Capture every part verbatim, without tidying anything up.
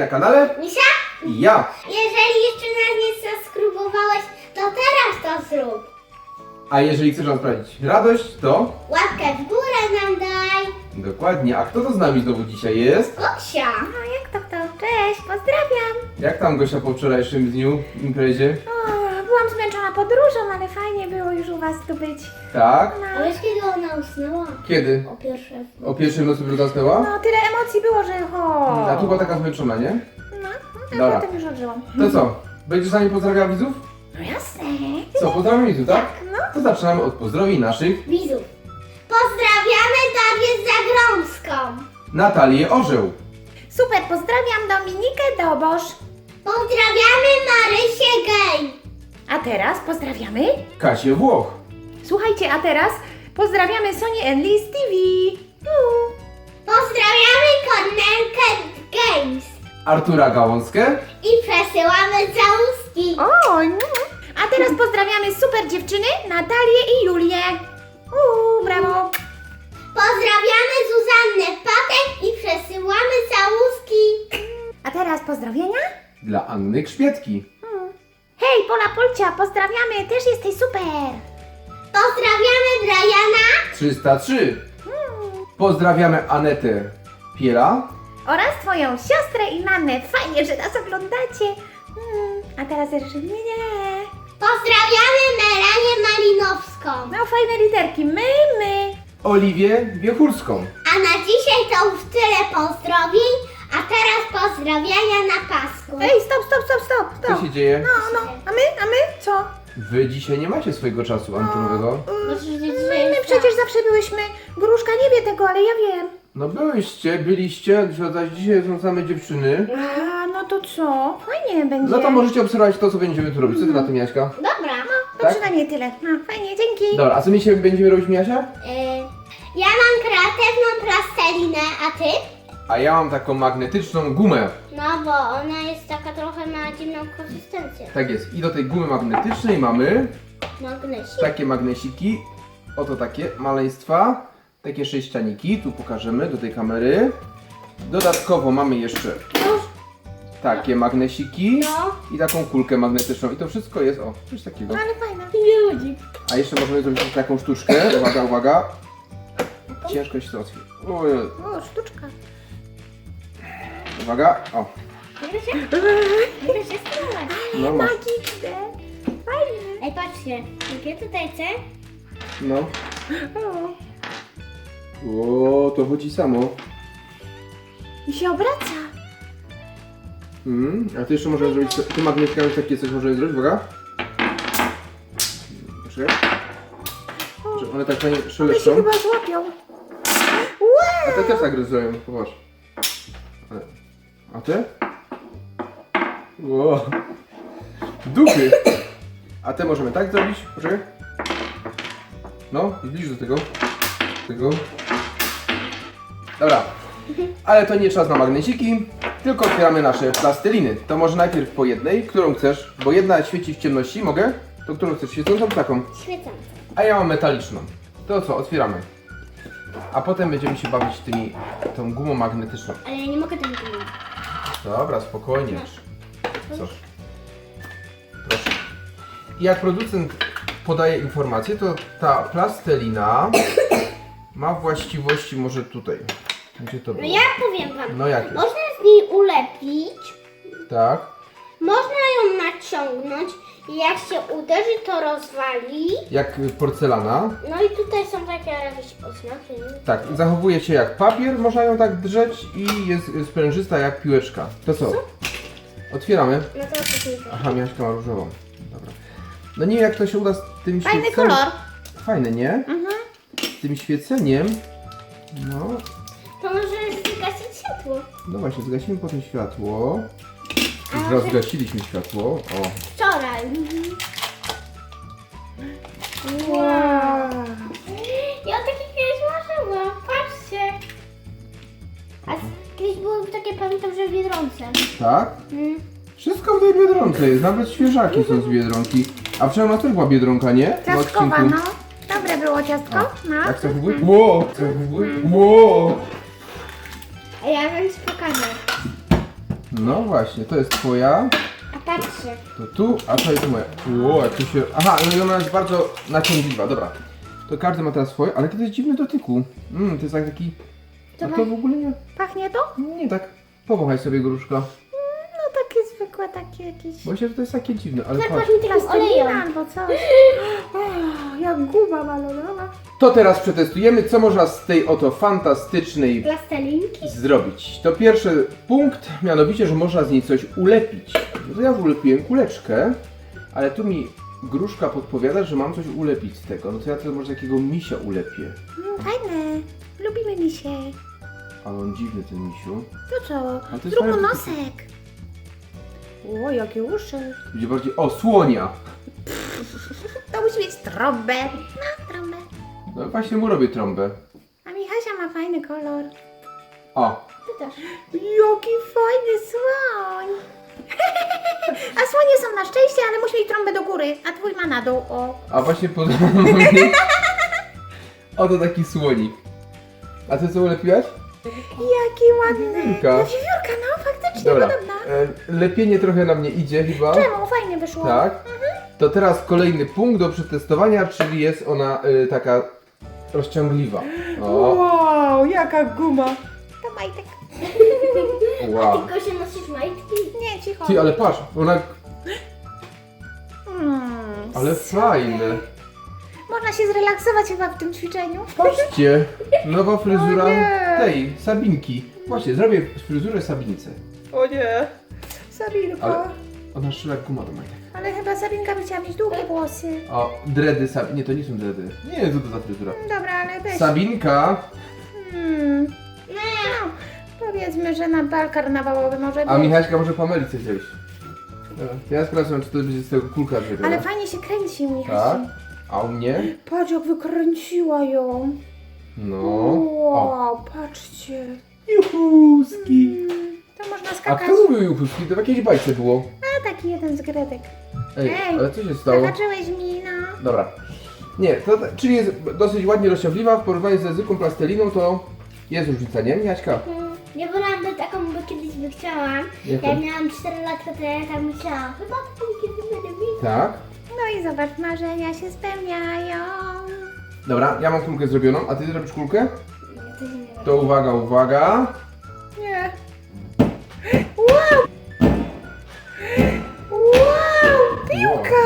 kanale Misia? i ja. Jeżeli jeszcze nas nie zaskrybowałeś, to teraz to zrób. A jeżeli chcesz nam sprawić radość, to Łapkę w górę nam daj. dokładnie. A kto to z nami znowu dzisiaj jest? Gosia. No jak to kto? Cześć, pozdrawiam! Jak tam Gosia po wczorajszym dniu imprezie? O, byłam zmęczona podróżą, ale fajnie było już u was tu być. Tak? A No, wiesz kiedy ona usnęła? Kiedy? O pierwsze. O pierwszej nocy dopiero zasnęła? no tyle emocji było, że ho. A tu była taka zmęczona, nie? No, a Dobra. potem już odżyłam. To co? Będziesz z nami pozdrawiała widzów? No jasne. Co, pozdrawiam widzów, tak? No. To zaczynamy od pozdrowień naszych. Widzów. Pozdrawiamy Darię Zagrąską. Natalię Orzeł. Super, pozdrawiam Dominikę Dobosz. Pozdrawiamy Marysię Gej. A teraz pozdrawiamy. Kasię Włoch. Słuchajcie, a teraz pozdrawiamy Sonię Enlis T V. Uh. Pozdrawiamy Kornelkę Games. Artura Gałązkę. I przesyłamy całuski. O, no. A teraz pozdrawiamy super dziewczyny Natalię i Julię. Uuu, brawo. Pozdrawiamy Zuzannę Patek i przesyłamy całuski. A teraz pozdrowienia? Dla Anny Grzbietki. Hej, Pola Polcia, pozdrawiamy, też jesteś super. Pozdrawiamy Briana. trzysta trzy. Pozdrawiamy Anetę Piela. Oraz twoją siostrę i mamę. Fajnie, że nas oglądacie. Hmm. A teraz jeszcze nie, nie. Pozdrawiamy Melanię Malinowską. No fajne literki. My, my. Oliwię Wiechurską. A na dzisiaj to już tyle pozdrowień, a teraz pozdrawiania na pasku. Ej, stop, stop, stop, stop, Co stop. się dzieje? No, no. A my, a my co? Wy dzisiaj nie macie swojego czasu antenowego. My, my przecież zawsze byłyśmy. Gruszka nie wie tego, ale ja wiem. No byłyście, byliście, zaś dzisiaj są same dziewczyny. A, no to co? Fajnie będzie. No to możecie obserwować to, co będziemy tu robić. Co ty na tym, Jaśka? Dobra. To tak? przynajmniej tyle. No, fajnie, dzięki. Dobra, a co my dzisiaj będziemy robić, Miasia? Y, ja mam kreatywną plastelinę, a ty? A ja mam taką magnetyczną gumę. No bo ona jest taka trochę ma dziwną konsystencję. Tak jest. I do tej gumy magnetycznej mamy Magnesik. takie magnesiki. Oto takie maleństwa. Takie sześcianiki. Tu pokażemy do tej kamery. Dodatkowo mamy jeszcze takie magnesiki No. i taką kulkę magnetyczną. I to wszystko jest, o, coś takiego. Ale fajne. Ludzi. A jeszcze możemy zrobić taką sztuczkę. Uwaga, uwaga. Ciężko się to otwiera. Ojej. O, sztuczka. Uwaga, o. Nie się, nie się strzelać. No masz. Magiczne. Fajne. Ej, patrzcie. Jakie tutaj C? No. O. O, to chodzi samo. I się obraca. Mm, a ty jeszcze możesz zrobić, ty magnetkami takie coś możesz zrobić, uwaga. Proszę. Że one tak fajnie One się szeleszczą. chyba złapią. A te też tak zrobią, popatrz. A te? Ło. Dupy. A te możemy tak zrobić, proszę. No, zbliż do tego. Tego. Dobra. Ale to nie czas na magnesiki, tylko otwieramy nasze plasteliny. To może najpierw po jednej, którą chcesz, bo jedna świeci w ciemności, mogę? To którą chcesz, świecącą czy taką? Świecące. A ja mam metaliczną. To co, otwieramy. A potem będziemy się bawić tymi, tą gumą magnetyczną. Ale ja nie mogę tego zrobić. Dobra, spokojnie. Masz. Co? Proszę. I jak producent podaje informację, to ta plastelina ma właściwości może tutaj. Gdzie to No było? ja powiem wam. No jakie? Można z niej ulepić, Tak. można ją naciągnąć i jak się uderzy, to rozwali. Jak porcelana. No i tutaj są takie jakieś oznaki. nie? Tak, zachowuje się jak papier, można ją tak drzeć i jest sprężysta jak piłeczka. To co? Otwieramy. No to coś nie Aha, Miaśka ma różową. Dobra. No nie wiem jak to się uda z tym Fajny świeceniem. kolor. Fajny, nie? Mhm. Z tym świeceniem. No, To może zgasić światło. no właśnie, zgasimy potem światło. A Już może- raz zgasiliśmy światło. O, Wczoraj. Wow. Ja takie kiedyś marzyłam. Patrzcie. A z- kiedyś były takie, pamiętam, że w Biedronce. tak? Mm. Wszystko w tej Biedronce jest, nawet świeżaki są z Biedronki. A wczoraj u nas też była Biedronka, nie? W Ciastkowa, odcinku. no. Dobre było ciastko. No. Jak chcesz wybór? Ło! Chcesz wybór? Ło! A ja wam ci pokażę. No właśnie, to jest twoja, A patrzcie. to tu, a to jest moja. Ło, jak tu się... Aha, no i ona jest bardzo naciągliwa, dobra. To każdy ma teraz swoje, ale to jest dziwny dotyku. Mmm, to jest tak taki... To A ma- to w ogóle nie... Pachnie to? Nie tak. Powąchaj sobie gruszka. No takie zwykłe, takie jakieś... Bo myślę, że to jest takie dziwne, ale Tak patrz. właśnie takim Plastelina olejem. albo coś. O, jak guba balonowa. To teraz przetestujemy, co można z tej oto fantastycznej Plastelinki. zrobić. To pierwszy punkt, mianowicie, że można z niej coś ulepić. No to ja ulepiłem kuleczkę, ale tu mi gruszka podpowiada, że mam coś ulepić z tego. No to ja to może takiego misia ulepię. Mm, fajne. Lubimy misie. Ale on dziwny ten misiu. To co? A to jest Zrób mu fajne. nosek. O, jakie uszy. Będzie bardziej... O, słonia! To musi mieć trąbę. No, trąbę. No właśnie mu robię trąbę. A Michasia ma fajny kolor. O! Ty też. Jaki fajny słoń. A słonie są na szczęście, ale musi mieć trąbę do góry, a twój ma na dół. O. A właśnie podoba mi... Oto taki słonik. A ty co ulepiłaś? Jaki ładny. Wiewiórka. No wiewiórka, no faktycznie Dobra. podobna. E, lepienie trochę na mnie idzie chyba. Czemu? Fajnie wyszło. Tak. To teraz kolejny punkt do przetestowania, czyli jest ona y, taka rozciągliwa. O, Wow, jaka guma. To majtek. wow. Tylko się nosisz majtki. Nie, cicho. Ty, ale patrz, ona... Mm, Ale fajne. Można się zrelaksować chyba w tym ćwiczeniu. Patrzcie, nowa fryzura O nie. tej, Sabinki. Właśnie, zrobię fryzurę Sabince. O nie. Sabinko. Ale- Ale... Ona szła jak guma do majtek. chyba Sabinka by chciała mieć długie włosy. O, dready Sabinki. Nie, to nie są dready. Nie wiem, co to za fryzura. Dobra, ale weź. Sabinka, Hmm. No, powiedzmy, że na bal karnawałowy może a być. Michaśka może Pameli chce wziąć. Dobra, to ja sprawdzam, czy to będzie z tego kulka zrobiona. Ale fajnie się kręci, Tak? Michasiu. A u mnie? Patrz, jak wykręciła ją. No. O. Wow, patrzcie. Juchuski. Mm, to można A skakać. kto mówił juchuski? To w jakiejś bajce było. A taki jeden z gredek. Ej, Ej, ale co się stało? Zobaczyłeś mi, no. Dobra. Nie, to, czyli jest dosyć ładnie rozciągliwa. W porównaniu ze zwykłą plasteliną to jest różnica, nie? Jaśka? Mm, Ja wolałam do taką, bo kiedyś by chciałam. Jaką? Jak miałam cztery latka, to ja tam chciałam. Chyba taką kiedy będę mieć. Tak. No i zobacz, marzenia się spełniają. Dobra, ja mam kulkę zrobioną, a ty zrobisz kulkę? To nie wiem. To uwaga, uwaga. Nie. Wow! Wow! Piłka!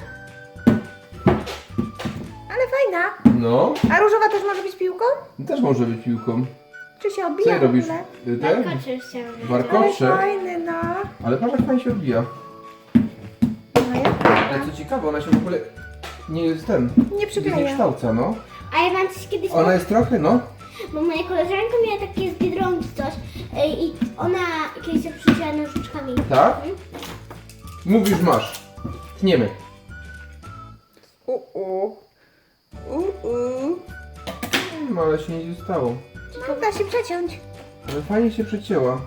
Ale fajna. No, A różowa też może być piłką? też może być piłką. Czy się Co odbija je w robisz? ogóle? Y, Te? Warkocze chciałam. Ale Warkocze. fajny, no. Ale patrz jak fajnie się odbija. No jak Ale co ciekawe, ona się w ogóle nie jest ten. nie Nie przykleja. kształca, no. A ja mam coś kiedyś, Ona jest trochę, no. bo moja koleżanka miała takie z Biedronki coś ej, i ona kiedyś się przyjęła nożyczkami. Tak? Mówisz, masz. Tniemy. U-u. U-u. No ale się nic nie stało. No, da się przeciąć. Ale fajnie się przecięła.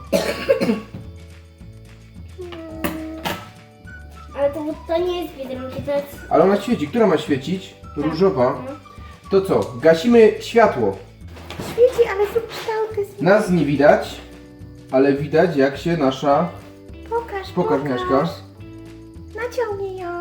Ale to, to nie jest Biedronki, to jest... Ale ona świeci. Która ma świecić? Różowa. No. To co? Gasimy światło. Świeci, ale są kształty. Nas nie widać, ale widać jak się nasza... Pokaż, Pokaż, pokaż. Miaśka. Naciągnij ją.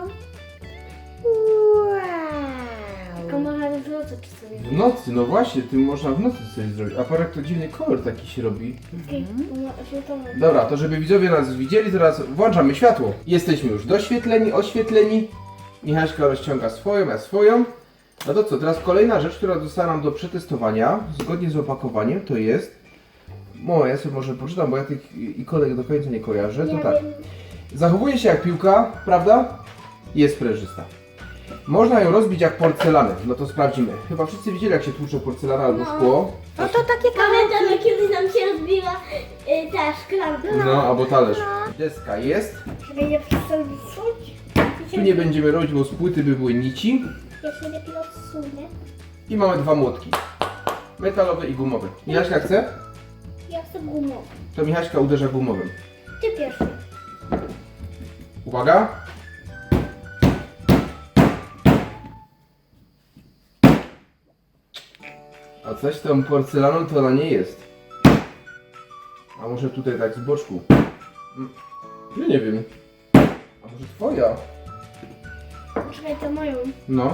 Tylko Wow. można w nocy czasami. W nocy, no właśnie, tym można w nocy coś zrobić. A parę to dziwny kolor taki się robi. Okej, no, się to mówi. Dobra, to żeby widzowie nas widzieli, teraz włączamy światło. Jesteśmy już doświetleni, oświetleni. Michaśka rozciąga swoją, ja swoją. No to co, teraz kolejna rzecz, która została nam do przetestowania, zgodnie z opakowaniem, to jest... O, ja sobie może poczytam, bo ja tych ikonek do końca nie kojarzę. To Ja tak. wiem. Zachowuje się jak piłka, prawda? Jest sprężysta. Można ją rozbić jak porcelanę. No to sprawdzimy. Chyba wszyscy widzieli, jak się tłucze porcelana albo No. szkło. No to takie Pamiętam, kawałki. jak kiedyś nam się rozbiła y, ta szklanka. No, albo talerz. No. Deska jest. Żeby nie przesunąć. Tu nie będziemy robić, bo z płyty by były nici. Ja się lepiej odsunę. I mamy dwa młotki. Metalowy i gumowy. Michaśka chce? Ja chcę gumą. To Michaśka uderza gumowym. Ty pierwszy. Uwaga. A coś z tą porcelaną to ona nie jest. A może tutaj tak z boczku. Ja nie wiem. A może twoja? Czekaj, to moją. No.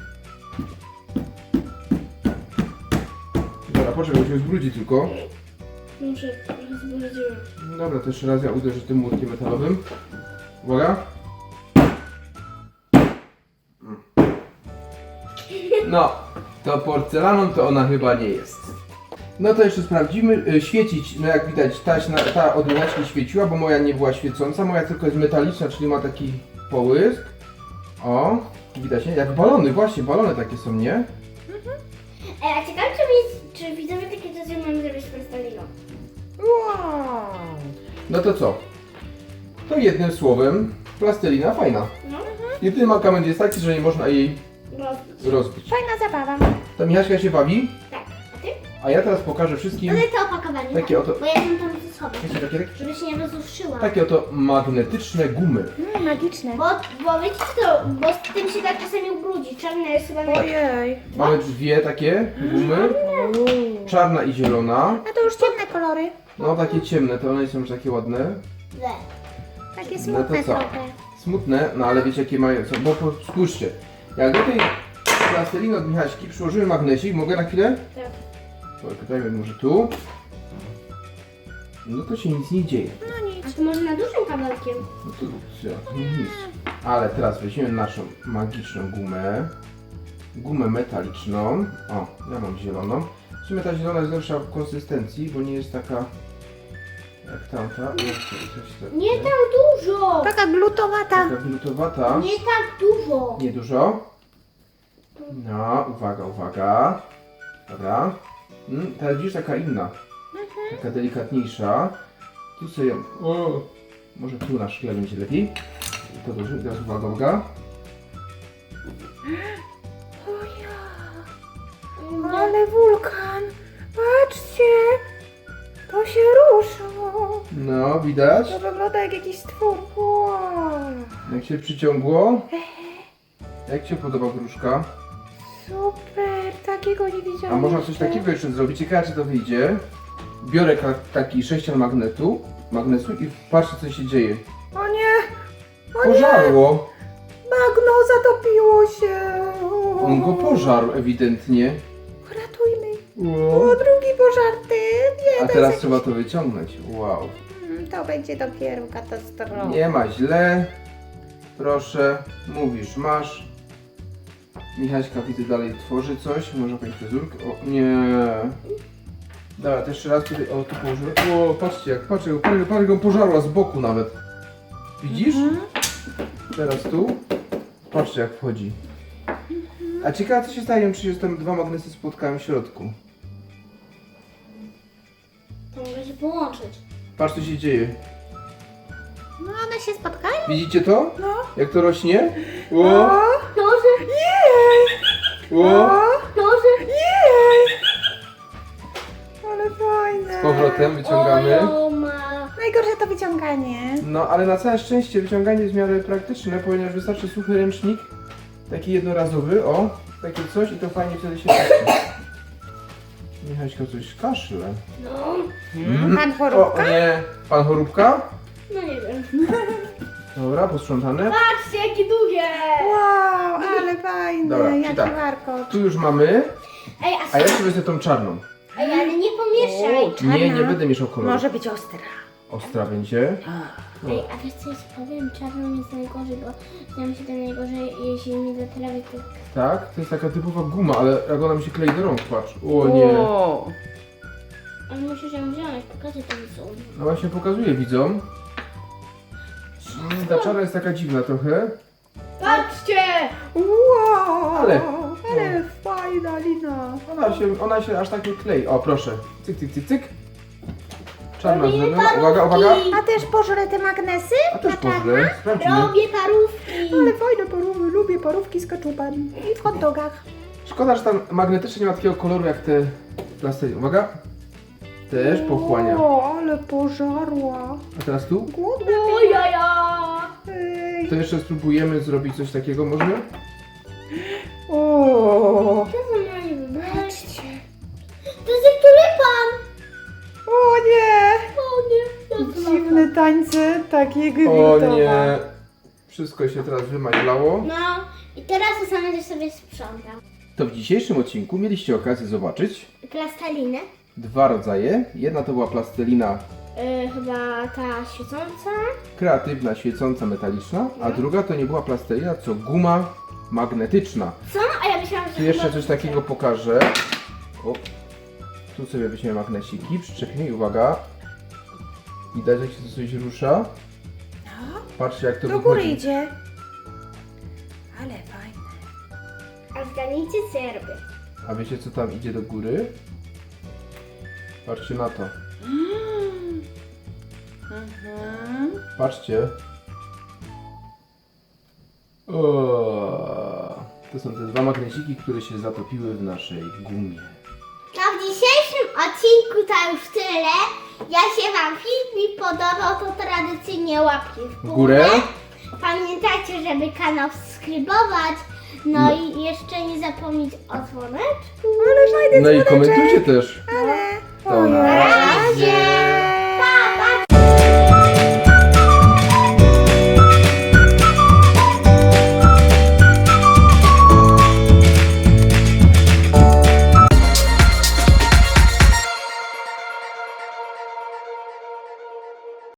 Dobra, poczekaj, bo się zbrudzi tylko. Muszę rozbrudziłem. Dobra, to jeszcze raz ja uderzę tym młotkiem metalowym. Uwaga. No, to porcelaną to ona chyba nie jest. No to jeszcze sprawdzimy. Y, Świecić, no jak widać, ta, ta od łańcuszki świeciła, bo moja nie była świecąca. Moja tylko jest metaliczna, czyli ma taki połysk. O, widać, nie? Jak balony, właśnie, balony takie są, nie? Ej, a ciekawe, czy, czy widzowie takie coś mamy zrobić z plastelino? Wow. No to co? To jednym słowem, plastelina fajna. No. Jedyny mankament jest taki, że nie można jej Rozbić. rozbić. Fajna zabawa. To Michaśka się bawi, Tak, a ty? a ja teraz pokażę wszystkim Ale to opakowanie. Takie oto- Bo ja ją tam schowam. takie, takie, Żeby się nie rozruszyła. takie oto magnetyczne gumy. Mm, magiczne. Bo, bo wiecie co, bo z tym się tak czasami ubrudzi. Czarna jest chyba naj... Ojej. Mamy dwie takie gumy, czarna i zielona. A to już ciemne kolory. No takie ciemne, to one są już takie ładne. Le. Takie No smutne to co? trochę. Smutne, no ale wiecie jakie mają, są, bo po- spójrzcie. Jak do tej plasteliny od Michaśki przyłożymy magnesik, mogę na chwilę? Tak. To dajmy może tu. No to się nic nie dzieje. No nic. A to może na dużym kabelkiem? No to co, nic. Ale teraz weźmiemy naszą magiczną gumę. Gumę metaliczną. O, ja mam zieloną. W sumie ta zielona jest lepsza w konsystencji, bo nie jest taka jak tamta. No, to coś tak- Nie tak dużo! Taka glutowata. Taka glutowata. Nie tak dużo! Nie dużo. No, uwaga, uwaga. Dobra. Mm, teraz widzisz taka inna. Taka delikatniejsza. Tu sobie ją... O, może tu na szkle będzie lepiej. I to dobrze. Teraz uwaga, uwaga. O ja. Ale wulkan. Patrzcie. To się rusza. No, widać? To wygląda jak jakiś stwór. Wow. Jak się przyciągło. Jak Ci się podoba gruszka? Super. Takiego nie widziałam. A można coś jeszcze. takiego jeszcze zrobić. Ciekawe, czy to wyjdzie. Biorę ka- taki sześcian magnetu, magnesu i patrzę, co się dzieje. O nie. O nie. Pożarło. Bagno zatopiło się. On go pożarł ewidentnie. Ratujmy. Wow. O, drugi pożarty. Nie, A to teraz jest trzeba to wyciągnąć. Wow. jakiś... To będzie dopiero katastrofa. Nie ma źle. Proszę, mówisz, masz. Michaśka widzę dalej tworzy coś. Może jakąś fryzurkę? O, nie. Dobra, to jeszcze raz tutaj, o tu położę. O, patrzcie jak, patrzcie, parę, parę go pożarła z boku nawet. Widzisz? Mhm. Teraz tu. Patrzcie jak wchodzi. A ciekawe co się stanie, czy się tam dwa magnesy spotkają w środku. To mogę się połączyć. Patrz co się dzieje. No one się spotkają? Widzicie to? No. Jak to rośnie? O, O, Może, jej! o. może. Jej! Ale fajne. Z powrotem wyciągamy. O, ma. Najgorsze to wyciąganie. No, ale na całe szczęście wyciąganie jest w miarę praktyczne, ponieważ wystarczy suchy ręcznik, taki jednorazowy, o, takie coś i to fajnie wtedy się patrzy. Michaśka coś kaszle. No, Mm. Pan O, Choróbka? o nie, pan Choróbka? no nie wiem. Dobra, posprzątane. Patrzcie, jakie długie! Wow, ale fajne. Dobra, Jaki czy tak? warkot. Tu już mamy, Ej, a a, ja sobie wezmę tą czarną. ej, ale nie pomieszaj. Czarna. Nie, nie będę mieszał koloru. Może być ostra. Ostra będzie. Ej, a wiesz co ja ci powiem? Czarną jest najgorzej, bo znam się tam najgorzej, jeśli mi zatrawi to... Tak, to jest taka typowa guma, ale jak ona mi się klei do rąk, patrz. O nie. Ale musisz ją wziąć, pokażę to są. No właśnie pokazuję widzom. Mm, Ta czarna jest taka dziwna trochę. Patrzcie! Wow, Ale- ale fajna lina. Ona się, ona się aż tak nie klei. O, proszę. Cyk, cyk, cyk, cyk. Czarna Robimy zielona. parówki. Uwaga, uwaga. A też pożre te magnesy? A też Ta czarna? pożre. Sprawdzimy. Robię parówki! Ale fajne parówy, lubię parówki z kaczupem. I w hot dogach. Szkoda, że tam magnetycznie nie ma takiego koloru jak te plasteliny. Uwaga. Też pochłania. O, ale pożarła. A teraz tu? Głodna. O jaja! Ej. To jeszcze spróbujemy zrobić coś takiego może? O, Co za mnie wybrać? patrzcie. To jest jak tulipan! O nie, O nie! Ja to dziwny tańce takie O nie. Wszystko się teraz wymaźlało. No i teraz to samo też sobie sprzątam. To w dzisiejszym odcinku mieliście okazję zobaczyć Plastelinę. dwa rodzaje. Jedna to była plastelina Yy, chyba ta świecąca. kreatywna, świecąca, metaliczna, a druga to nie była plastelina, co guma magnetyczna. Co? A ja myślałam, że Tu jeszcze chyba coś takiego pokażę. O, tu sobie weźmiemy magnesiki, przyczepimy i uwaga. Widać, jak się to coś rusza. Patrzcie, jak to Do góry wychodzi. idzie. Ale fajne. A zgadnijcie, co ja robię. A wiecie, co tam idzie do góry? Patrzcie na to. Mhm. Patrzcie. O, to są te dwa magnesiki, które się zatopiły w naszej gumie. To w dzisiejszym odcinku to już tyle. Jak się Wam film podobał, to tradycyjnie łapki w W górę. górę. Pamiętajcie, żeby kanał subskrybować. No, i jeszcze nie zapomnieć o dzwoneczku. Ale fajny No i dzwoneczek. komentujcie też. Ale To na